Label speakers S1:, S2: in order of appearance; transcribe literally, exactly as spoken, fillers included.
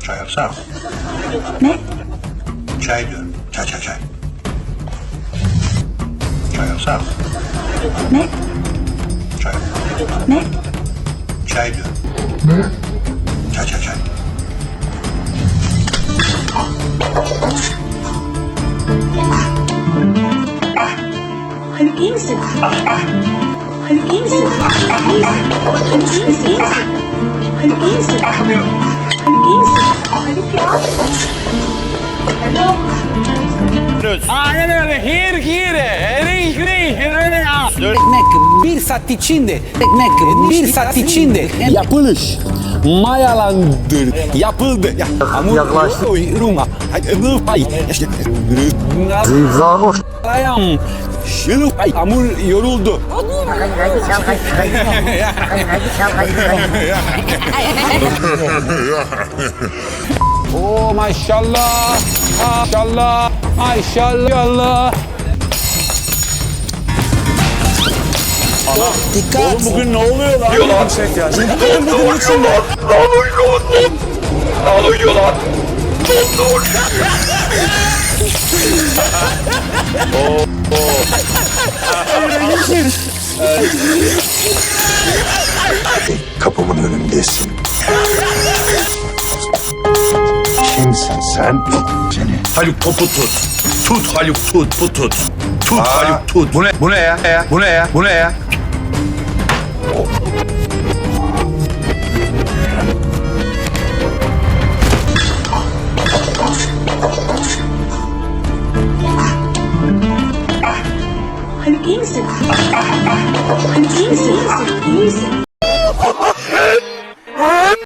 S1: Çay yapsana.
S2: Ne?
S1: Çay diyorum. Çay çay çay. Çay yapsana.
S2: Ne?
S1: Çay.
S2: Ne?
S1: Çay diyorum. Ne? Çay çay çay.
S2: Haluk iyi misin? Haluk iyi misin? İyi misin? Haluk iyi misin? İyi misin? Haluk iyi misin? Haluk iyi misin? Haluk ya.
S3: Aynen öyle. Here, here. Here, here, here.
S4: Ekmek bir saat içinde, ekmek bir saat içinde yapılış, mayalandır, yapıldı. Ya, hamur yaklaştı. Ruma. Zivzanoş. Ayam. Şılı. Hamur yoruldu. Oh maşallah. Maşallah. Maşallah. Dikkat.
S3: Oğlum bugün ne oluyor lan?
S5: Oluyor lan. Çek ya.
S3: Bugün bugün için
S5: Lan oluyor lan. Lan oluyor lan.
S1: Kapımın önündesin. Kimsin sen? Seni.
S5: Haluk topu tut. Tut Haluk tut bu tut. Tut Haluk tut.
S1: Bu ne? Bu ne ya? Bu ne ya? Bu ne ya?